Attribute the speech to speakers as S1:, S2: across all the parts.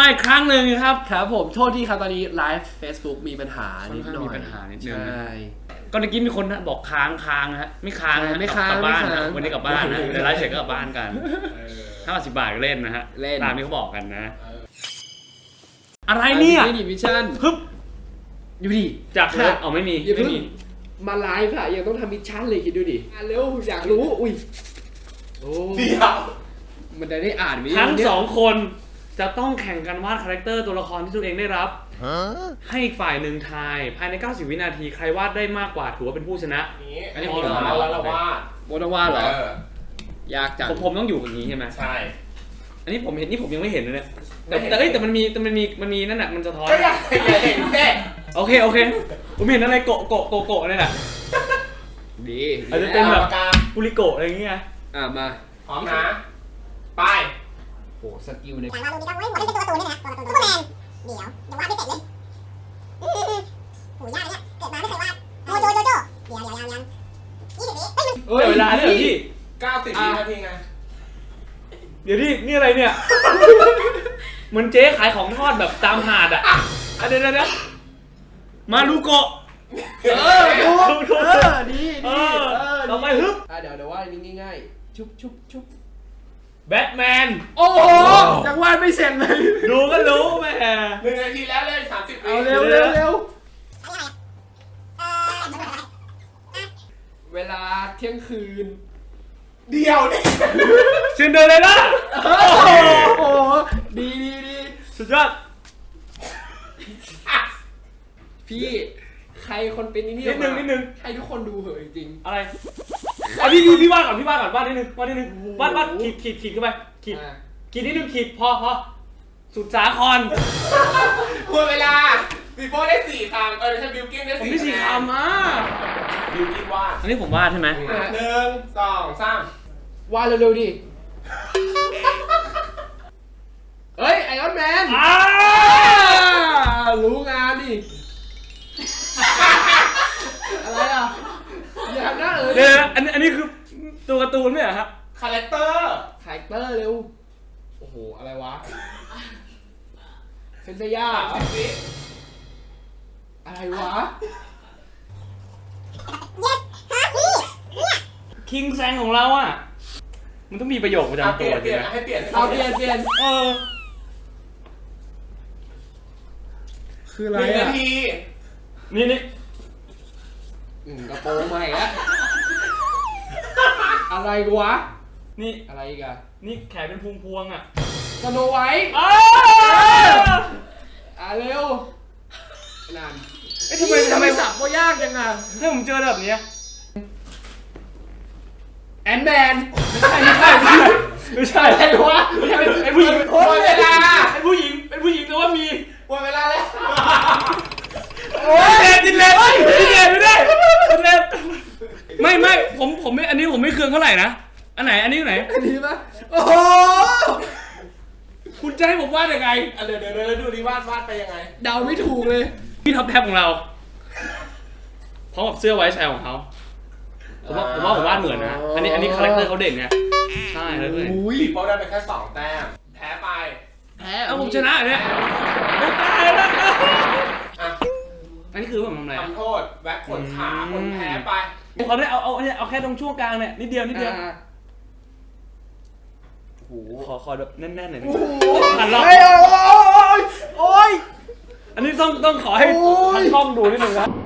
S1: อีกครั้งหนึ่งครับ
S2: ครับผมโทษที่ครับตอนนี้ไลฟ์ Facebook มีปัญหานิดหน่อย
S1: มีปัญหานิดนึง
S2: ใช่
S1: ก็เมื่อกี้มีคนบอกค้างนะฮะไม่ค้างนะกลับบ้านนะวันนี้กลับบ้านนะเดี๋ยวไลฟ์เสร็จก็กลับบ้านกัน50 บาทเล่นนะฮะตามที่เขาบอกกันนะอะไรเนี่ย
S2: นี่มิชชั่น
S1: ฮึบ
S2: อยู่ดิ
S1: จากเอาไม่มี
S2: มาไลฟ์อะยังต้องทำมิชชั่นเลยคิดดูดิเร็วอยากรู้อุ้ยโอ้
S3: เดี๋ยว
S2: มันได้อ่านไหม
S1: ทั้ง2 คนจะต้องแข่งกันวาดคาแรคเตอร์ตัวละครที่ตัวเองได้รับให้อีกฝ่ายหนึ่งทายภายใน90 วินาทีใครวาดได้มากกว่าถือว่าเป็นผู้ชนะ
S3: อันนี้ผมแล้วเราวาด
S2: โบนวาดเหรอยากจัง
S1: ผมต้องอยู่อย่างนี้ใช่ไหม
S3: ใช่
S1: อันนี้ผมเห็นนี่ผมยังไม่เห็นเลยเนี่ยแต่มันมีนั่นแหละมันจะท้อน
S3: ก็อยากเห็นแค่
S1: โอเคผมเห็นอะไรโกะนี่แหละ
S2: ดี
S1: อาจจะเป็นแบบปุริโกะอะไรอย่างเงี้ย
S2: มา
S3: พร้อมนะไป
S2: โอ้สกิลเนี่ย
S4: แต่ว่าดูดีก็ไม่หมดเป็นตัวการ์ตูนด้วยนะตัวการ์ตูนซูเปอร์แมนเดี๋ยวยังวาดไม่เสร็จเลยโหยากเนี่ยเกิดมาไม่เคยวาดโจเดี๋ยวยัง20 วิ
S1: เวลาเนี่ยพี่
S3: 90 วินาทีไง
S1: เดี๋ยวนี่อะไรเนี่ยเหมือนเจ๊ขายของทอดแบบตามหาดอ่ะเดี๋ยวมาลูโกะ
S2: ดี
S1: เราไปฮึบ
S2: เดี๋ยวว่านี่ง่ายๆชุบ
S1: แบทแมน
S2: โอ้โหยังวาดไม่เสร็จเลย
S1: ดูก็รู้แม่
S3: 1 นาทีแล้วเล่น30 วิ
S2: เอาเร็วเวลาเที่ยงคืน
S3: เดี๋ยวนี่
S1: ซินเดอเรลล่า
S2: โอ้ดี
S1: สุดยอด
S2: พี่ใครคนเป็นนี่
S1: นิดนึง
S2: ให้ทุกคนดูเหอะจริง
S1: ๆอะไรพี่วาดก่อนวาดนิดนึงวาดขีดเข้าไปขีดนิดนึงขีดพอสุดสาคร
S3: หมดเวลาบีโป้ได้4 คำใช่บิวกิ้นได้4
S1: ผมได้4 คำ
S3: บิวกิ้นวาด
S1: อันนี้ผมวาดใช่ไหม
S3: 1 2 3
S2: วาดเร็วๆดิเฮ้ยไอรอนแมนรู้งานดิอะไรอ่ะอย่าทำหน้า
S1: เดี๋ยวอันนี้คือตัวการ์ตูนไหมฮะ
S3: คาแรคเตอร์
S2: เร็วโอ้โหอะไรวะเซนเซย่าอะไรวะ
S1: คิงแซงของเราอ่ะมันต้องมีประโยคประจำตัว
S3: เปลี่ยนให้เปลี่ยน
S2: คืออะไร
S3: 1 นาที
S1: นี่
S2: กระโปรงใหม่ละอะไรวะ
S1: นี่
S2: อะไรอีกอะ
S1: นี่แขนเป็นพวงอ่ะ
S2: สโนไวท์เร็วนั่นทำไมสับก็ยากจังอ่ะ
S1: ถ้าผมเจอแบบนี้
S2: แอนแมน
S1: ไม่ใช่
S2: อะไรวะ
S1: ไอ้ผู้หญิง
S3: หมดเวลา
S1: ไอ้ผู้หญิงแต่ว่ามี
S3: หมดเวลาแล้ว
S1: โอ้ยดินเลนไม่ได้ไม่ผมไม่อันนี้ผมไม่เคืองเท่าไหร่นะอันไหนอันนี้ไหน
S2: อันนี้ปะโอ้โห
S1: คุณจะให้ผมวาดยังไง
S3: เดี๋ยวดูดิวาดไปยังไง
S2: เดาไม่ถูกเลย
S1: พี่ท็อปแท็บของเราพร้อมกับเสื้อไว้ชายของเขาผมว่าผมวาดเหมือนนะอันนี้คาแรคเตอร์เขาเด่นไงใช่เลย
S3: บีโป้ได้ไปแค่2 แต้มแพ้ไป
S1: ผมชนะเนี่ยไม่ตายแล้วอันนี้คือผมทำอะไร
S3: ทำโทษแว็กขนขาคนแพ้ไป
S1: เขาได้เอาแค่ตรงช่วงกลางเนี่ยนิดเดียวโอ้โหขอแบบแน่นๆหน่อยหันรอบ
S2: โอ้ย
S1: อันนี้ต้องขอให้ทั้งกล้องดูนิดนึงครับ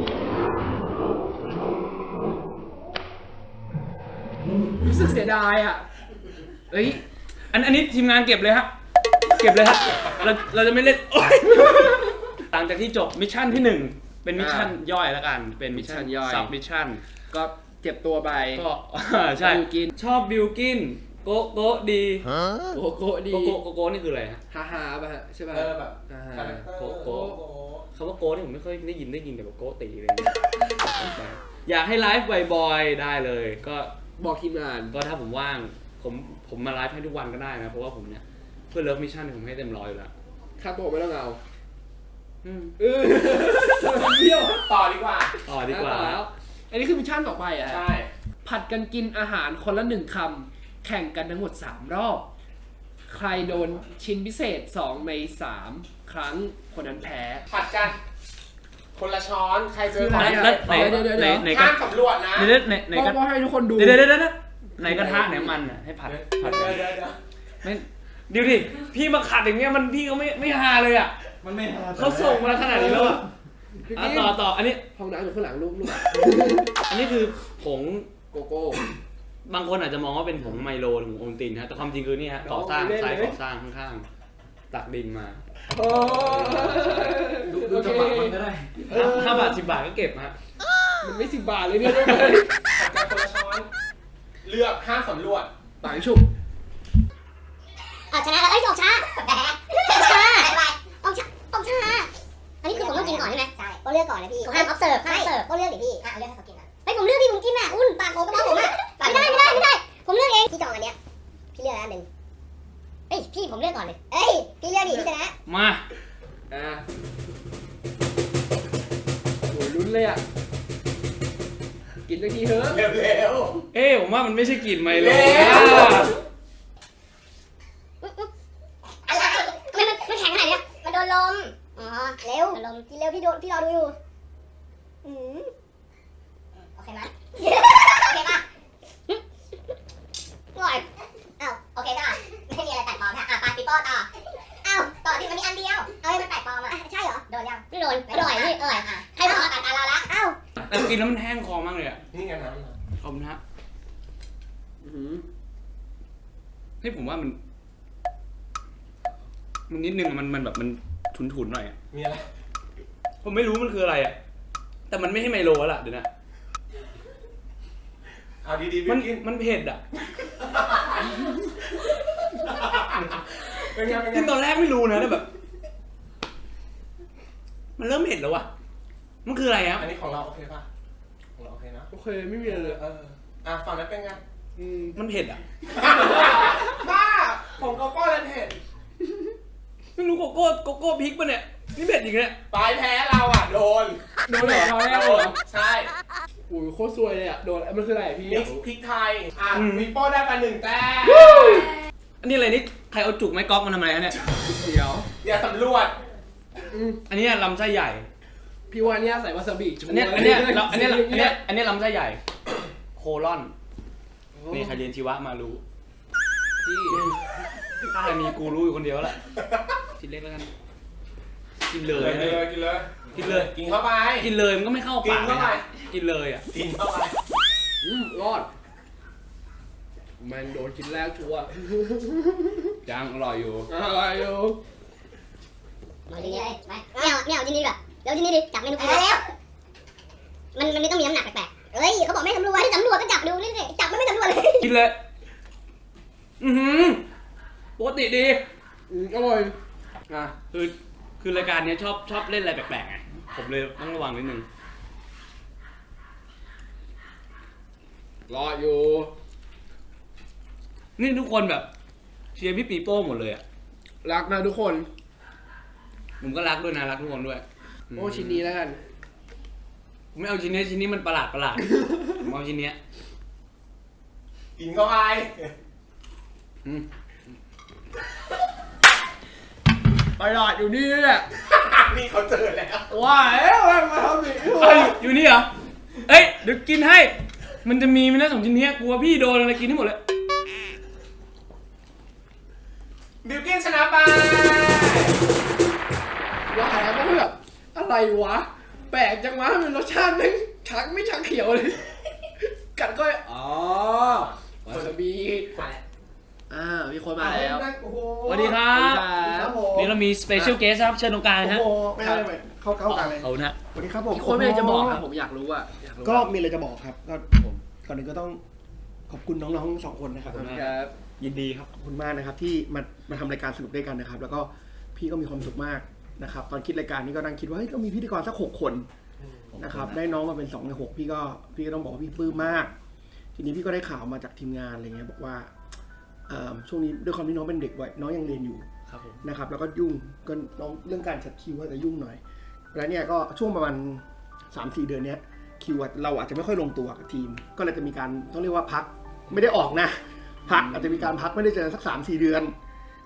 S2: รู้สึกเสียดายอ่ะเฮ้ย
S1: อันนี้ทีมงานเก็บเลยฮะเราจะไม่เล่นหลังจากที่จบมิชชั่นที่1เป็นมิชชั่นย่อยแล้วกันเป็นมิชชั่นย่อยซับมิชชั่น
S2: ก็เจ็บตัวไป
S1: ก็ใช่ชอบบิลกินโกดี
S2: โกดี
S1: โกนี่คืออะไรฮะ
S2: ฮาป่ะใช่ป่ะ
S3: แบบ
S1: โกคำว่าโกนี่ผมไม่ค่อยได้ยินแต่แบบโกตีอะไรอยากให้ไลฟ์บ่อยๆได้เลยก็
S2: บอกทีมงาน
S1: ก็ถ้าผมว่างผมมาไลฟ์ให้ทุกวันก็ได้นะเพราะว่าผมเนี่ยเพื่อเลิฟมิชชั่นผมให้เต็ม100อยู่แล้ว
S2: ค่าตัวไม่ต้องเอา
S3: เที่ยวต่อดีกว่า
S2: แล้วอันนี้คือมิชชั่นต่อไปอ่ะ
S3: ใช่
S2: ผัดกันกินอาหารคนละ1 คำแข่งกันทั้งหมด3 รอบใครโดนชิ้นพิเศษ2 ใน 3 ครั้งคนนั้นแพ้
S3: ผัดกัน คนละช้อนใครเจอก่อน
S1: แล้วไหนก็
S3: ห้ามสำรวจนะ
S1: ไหนก็
S2: ก็ให้ทุกคนดู
S1: เดี๋ยวไหนกระทะไหนมันอ่ะให้ผัด
S3: เดี๋ยว
S1: ไม่เดี๋ยวดิพี่มาขัดอย่างเงี้ยมันพี่ก็ไม่ฮาเลยอ่ะ
S5: มันไม่ฮา
S1: เขาส่งมาขนาดนี้แล้วอ่ะต่ออันนี้
S2: ห้องน้ำอยู่ข้างหลังลูก
S1: อันนี้คือผง
S2: โกโก้
S1: บางคนอาจจะมองว่าเป็นผงไมโลหรือผงโอวัลตินฮะแต่ความจริงคือนี่ฮะก่อสร้างไซต์ก่อสร้างข้างๆตักดินมา
S2: โอ้
S5: ดูจังหวะมันก็ได้
S1: 5 บาท 10 บาทก็เก็บฮะ
S2: มันไม่10 บาทเลยเนี่ยลูก
S3: ผัดกันคนละช้อน เลือกห้ามสำรวจ
S2: ต่างชุบ
S4: ชนะแล้วออกช้าออกช้าอันนี้คือผมต้องกินก่อนใช่ไหมใช่ก็เลือกก่อนเลยพี่ผมห้าม observe ก็เลือกดิพี่เลือกให้เขากินนะผมเลือกดิผมกินอ่ะอุ่นปากผมก็บอกผมอ่ะไม่ได้ผมเลือกเองพี่จองอันเนี้ยพี่เลือกอันหนึ่งพี่ผมเลือกก่อนเลยพี่เลือกดิพี่ชนะ
S1: มา
S2: โอ้ยลุ้นเลยอ่ะกินสักทีเถอะ
S3: เร็ว
S1: ผมว่ามันไม่ใช่กลิ่นไมโล
S4: อะไรมันแข็งขนาดนี้มันโดนลมเร็วลมพี่เร็วพี่รอดูอยู่โอเคไหมโอเคป่ะง่อยโอเคจ้ะไม่มีอะไรแปลกปลอมนะปาปิโป้ต่อที่มันมีอันเดียวมันแปลกปลอมใช่เหรอโดนยังไม่โดนอร่อยนี่ใครมาตัดเราละ
S1: แต่กินแล้วมันแห้งคอมากเลยอ่ะ
S3: ๆนี่ไงน้ำ
S1: ขอบคุณฮะให้ผมว่ามันนิดนึงมันแบบมันถุนๆหน่อยอ่ะ
S3: มีอะไร
S1: ผมไม่รู้มันคืออะไรอ่ะแต่มันไม่ใช่ไมโลแล้วล่ะเดี๋ยวนะ
S3: เอาดีๆ
S1: มันเผ็ดอ่ะ
S3: เป็นไง
S1: กินตอนแรกไม่รู้นะแต่แบบ มันเริ่มเผ็ดแล้วอ่ะมันคืออะไรครับ
S3: อันนี้ของเราโอเคป่ะของเราโอเคนะ
S2: โอเคไม่มีอะไรเลย
S3: ฝั่งนั้นเป็นไง
S1: มันเผ็ดอ่ะ
S3: บ้าของโกโก้เลยเผ็ด
S1: ไม่รู้โกโก้พริกป่ะเนี่ยนี่เผ็ดอีกเนี่ย
S3: ปลายแพ้เราอ่ะโดน
S2: โดนเหรอครั้งแรกเลยเหรอ
S3: ใช่
S2: โอ้ยโคตรซวยเลยอ่ะโดนมันคืออะไรพี่
S3: มิกซ์พริกไทยมีโป้ได้ไป1 แต้ม
S1: อันนี้อะไรนี่ใครเอาจุกไม้ก๊อกมาทำไมฮะเนี่ย
S2: เดี๋ยว
S3: อย่าสำรวจ
S1: อันนี้ลำไส้ใหญ่
S2: พี่ว่าเนี่ยใส่วาซาบิชัวร์
S1: อันนี้ลำไส้ใหญ่ โคลอนนี่ใครเรียนชีวะมารู้
S2: พี่
S1: ถ้าใครมีกูรู้อยู่คนเดียวแหละชิ้นเล็กแล้วกันกินเลย
S3: กินเลย
S1: กินเลย
S3: กินเข้าไป
S1: กินเลยมันก็ไม่เข้าปาก
S3: กินเข้าไป
S1: กินเลยอ่ะ
S3: กินเข้าไป
S2: รอดมันโดนกินแรกชัวร์
S1: ยังอร่อยอยู่
S2: อะไรอยู่
S4: เอาจริงๆไปไม่เอาจริงๆดีกว่าเร็วจริงๆดิจับเมนูกินแล้วมันไม่ต้องมีน้ำหนักแปลกๆเขาบอกไม่สำรวจให้สำรวจก็จับดูนี่สิจับมันไม่สำรวจเลย
S1: กินเลยปกติดี
S2: อร่อย
S1: คือรายการนี้ชอบเล่นอะไรแปลกๆไงผมเลยต้องระวังนิดนึง
S2: รออยู่
S1: นี่ทุกคนแบบเชียร์พี่ปีโป้หมดเลยอ่ะ
S2: รักนะทุกคน
S1: ผมก็รักด้วยนะรักทุกคนด้วย
S2: โอ้ชิ้นนี้แล้วกัน
S1: ผมไม่เอาชิ้นนี้มันประหลาดผมเอาชิ้นนี้
S3: กินเข้าไป
S2: ไปหลอดอยู่นี่แหละ
S3: นี่เขาเจอแล้ว
S2: ว้าวมาทำอีก
S1: อยู่นี่เหรอเอ้ยเดี๋ยวกินให้มันจะมีไหมนะ2 ชิ้นนี้กลัวพี่โดนอะไรกินให้หมดเลย
S3: บิลกิ้นชนะไป
S2: ว้าวแล้วก็แบบอะไรวะแปลกจังวะมันรสชาติไม่ชักเขียวเลยกัดก็วาซาบิมีคนมาแล้ว
S1: สวัสดีครับนี่เรามีสเปเชียลเกสครับเชิญตรงกลางฮะ
S5: โอ้โหไม่ได้ไม่เข้ากลางเลย
S1: เอานะ
S5: สวัสดีครับผม
S2: มีคนไม่ได้จะบอกครับผมอยากรู้อะ
S5: ก็มีอะไรจะบอกครับก็ผมก่อนอื่นก็ต้องขอบคุณน้องๆ2 คนนะครับ
S2: ครับ
S1: ยินดีครับ
S5: ขอบคุณมากนะครับที่มาทำรายการสนุกด้วยกันนะครับ แล้วก็พี่ก็มีความสุขมากนะครับตอนคิดรายการนี้ก็นั่งคิดว่าเฮ้ยต้องมีพิธีกรสัก6 คนนะครับได้น้องมาเป็น2 ใน 6พี่ก็ต้องบอกว่าพี่ปลื้มมากทีนี้พี่ก็ได้ข่าวมาจากทีมงานอะไรเงี้ยบอกว่าช่วงนี้ด้วยความที่น้องเป็นเด็กวัยน้องยังเรียนอยู่
S1: ครับผม
S5: นะครับแล้วก็ยุ่งก็น้องเรื่องการจัดคิวก็จะยุ่งหน่อยแล้วเนี่ยก็ช่วงประมาณ 3-4 เดือนเนี้ยคิวเราอาจจะไม่ค่อยลงตัวกับทีมก็เลยจะมีการต้องเรียกว่าพักไม่ได้ออกนะพักอาจจะมีการพักไม่ได้เจอสัก 3-4 เดือนค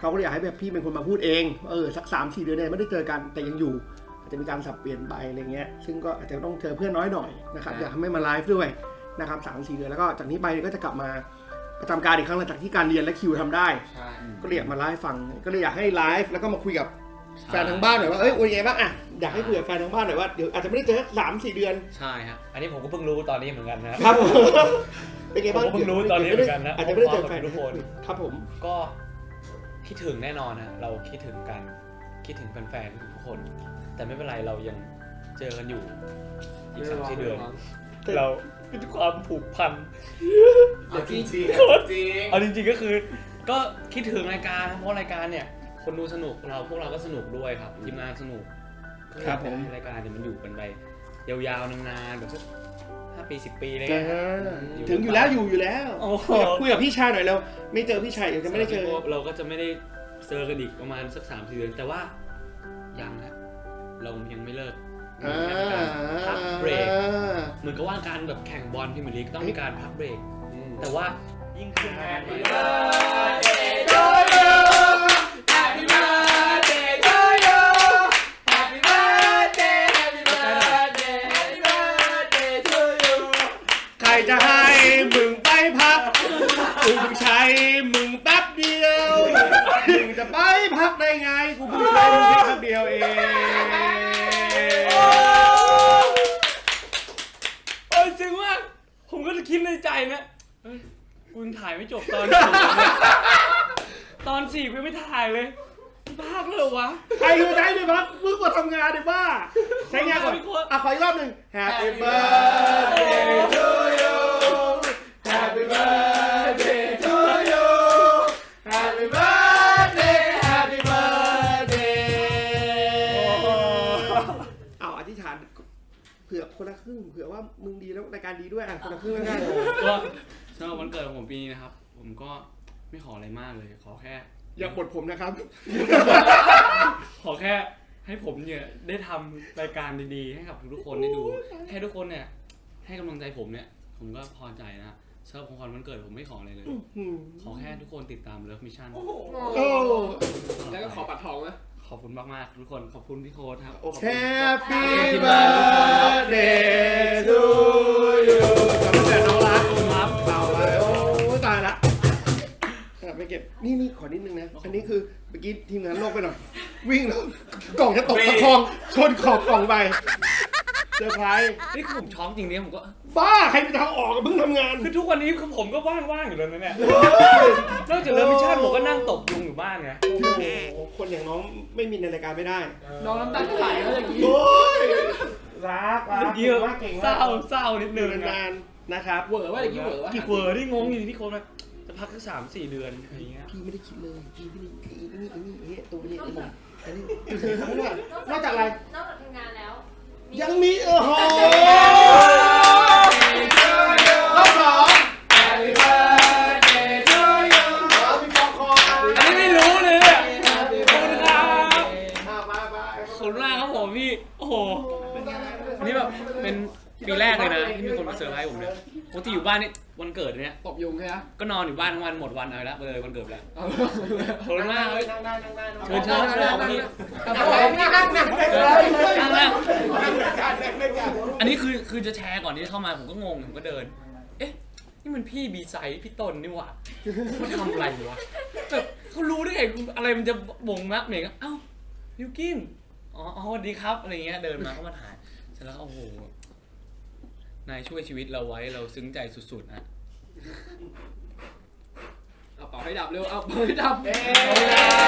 S5: เขาก็เลยอยากให้แบบพี่เป็นคนมาพูดเองสัก 3-4 เดือนเนี่ยไม่ได้เจอกันแต่ยังอยู่อาจจะมีการสับเปลี่ยนไปอะไรเงี้ยซึ่งก็อาจจะต้องเจอเพื่อนน้อยหน่อยนะครับอยากให้มาไลฟ์ด้วยนะครับ 3-4 เดือนแล้วก็จากนี้ไปก็จะกลับมาประจำการอีกครั้งหลังจากที่การเรียนและคิวทำได้ก็เลยอยากมาไลฟ์ฟังก็เลยอยากให้ไลฟ์แล้วก็มาคุยกับแฟนทางบ้านหน่อยว่าเป็นไงบ้างอ่ะอยากให้คุยกับแฟนทางบ้านหน่อยว่าเดี๋ยวอาจจะไม่ได้เจอ 3-4 เดือน
S1: ใช่ฮะอันนี้ผมก็เพิ่งรู้ตอนนี้เหมือนกันนะครับ
S5: เป็นไงบ้าง
S1: ผมเพิ่งรู้ตอนนี้เหมือนกันนะ
S5: อาจจะไม่ได้เจอแฟน
S1: ทุกคน
S5: ครับผม
S1: ก็คิดถึงแน่นอนนะเราคิดถึงกันคิดถึงแฟนๆทุกคนแต่ไม่เป็นไรเรายังเจอกันอยู่อีก 3-4 เดือนเราเป็นความผูกพัน
S3: จริงจริง
S1: เอาจริงๆก็คือก็คิดถึงรายการเพราะรายการเนี่ยคนดูสนุกพวกเราก็สนุกด้วยครับทีมงานสนุกครับผมรายการเนี่ยมันอยู่กันไปยาวๆนานๆแบบ5 ปี 10 ปีเลย
S5: ถึงอยู่แล้วอยู่แล้วคุยกับพี่ชายหน่อยแล้วไม่เจอพี่ชายยังไม่ได้เจอ
S1: เราก็จะไม่ได้เจอกันอีกประมาณสัก 3-4 เดือนแต่ว่ายังนะเรายังไม่เลิกพักเบรกเหมือนกับว่าการแบบแข่งบอลพรีเมียร์ลีกต้องมีการพักเบรกแต่ว่ายิ่งขึ้นงาน
S5: ใครจะให้มึงไปพักกูเพิ่งใช้มึงแป๊บเดียวมึงจะไปพักได้ไงกูเพิ่งใช้มึงแป๊บเดียวเอง
S1: จริงว่าผมก็จะคิดในใจนะกูยังถ่ายไม่จบตอน 4กูไม่ถ่ายเลยภาคเลยวะ
S5: ใครจะได้เนี่ยพักมึงกดทำงานดิบ้าใช้งานก่อนขออีกรอบหนึ่ง Happy birthday to you Happy birthday to you Happy birthday Happy birthday เอาอธิษฐานเผื่อคนละครึ่งเผื่อว่ามึงดีแล้วรายการดีด้วยคนละครึ่งแล้วกัน
S1: ก็สำหรับวันเกิดของผมปีนี้นะครับผมก็ไม่ขออะไรมากเลยขอแค่
S5: อย่าบ่นผมนะครับ
S1: ขอแค่ให้ผมเนี่ยได้ทำรายการดีๆให้กับทุกคนได้ดูแค่ทุกคนเนี่ยให้กำลังใจผมเนี่ยผมก็พอใจนะสำหรับของขวัญวันเกิดผมไม่ขออะไรเลยขอแค่ทุกคนติดตาม Love Mission
S2: แล้วก็ขอปัดทองนะ
S1: ขอบคุณมากๆทุกคนขอบคุณพี่โค้ดครับ
S5: Happy birthday to you จำแต่น้องรักครับเต่าไปโอ้ตายละไม่เก็บนี่ขอนิดนึงนะอันนี้คือเมื่อกี้ทีมงานโลกไปหน่อยวิ่งแล้วกล่องจะตกตะคองชนขอบกล่องไปเซอร์ไพรส์
S1: นี่คือผมช็อกจริงๆผมก็
S5: บ้าใครจะเอาออกเพิ่งทำงาน
S1: คือทุกวันนี้คือผมก็ว่างๆอยู่แล้วนะเนี่ยนอกจากเลิฟมิชชั่นผมก็นั่งตบยุงอยู่บ้านไง
S5: โอ้โหคนอย่างน้องไม่มีในรายการไม่ได้
S2: น้องน้ำตาไหลแล้วอย่างนี้
S5: รัก
S1: เยอะเศร้านิดนึง
S5: นานนะครับ
S2: เวอร์ว่าอย่างนี้เวอร์ว่า
S1: กี่เวอร์ที่งงอยู่ที่โค้ดจะพักแค่3-4 เดือนอะไรเงี้ย
S5: พี่ไม่ได้คิดเลยพี่ไม่ได้นี่ตัวนี้อันนี้นอกจากอะไร
S6: นอกจากทำงานแล้ว
S5: ยังมีโอ้โหรอบ2 Happy birthday to you มีฟองคอ
S1: อันนี้ไม่รู้เลยเนี่ยขอบคุณครับขอบคุณมากครับผมพี่โอ้โหอันนี้แบบเป็นปีแรกเลยนะที่มีคนมาเซอร์ไพรส์ผมเนี่ยปกติอยู่บ้านนี่วันเกิดเนี่ย
S2: ตบยุงใช่ไหม
S1: ก็นอนอยู่บ้านทั้งวันหมดวันเอาละเลยวันเกิดแล้วขอบคุณมากเลยเชิญพี่อันนี้คือจะแชร์ก่อนที่เข้ามาผมก็งงผมก็เดินเอ๊ะนี่มันพี่บีไซด์พี่ต้นนี่หว่าเขาทำอะไรวะแบบเขารู้ได้ไงอะไรมันจะบ่งมักเหม่งเอ้าบิวกินอ๋อสวัสดีครับอะไรเงี้ยเดินมาเข้ามาถ่ายเสร็จแล้วโอ้โหนายช่วยชีวิตเราไว้เราซึ้งใจสุดๆนะ
S2: เอาเป่าให้ดับเร็วเอาเป่าให้ดับ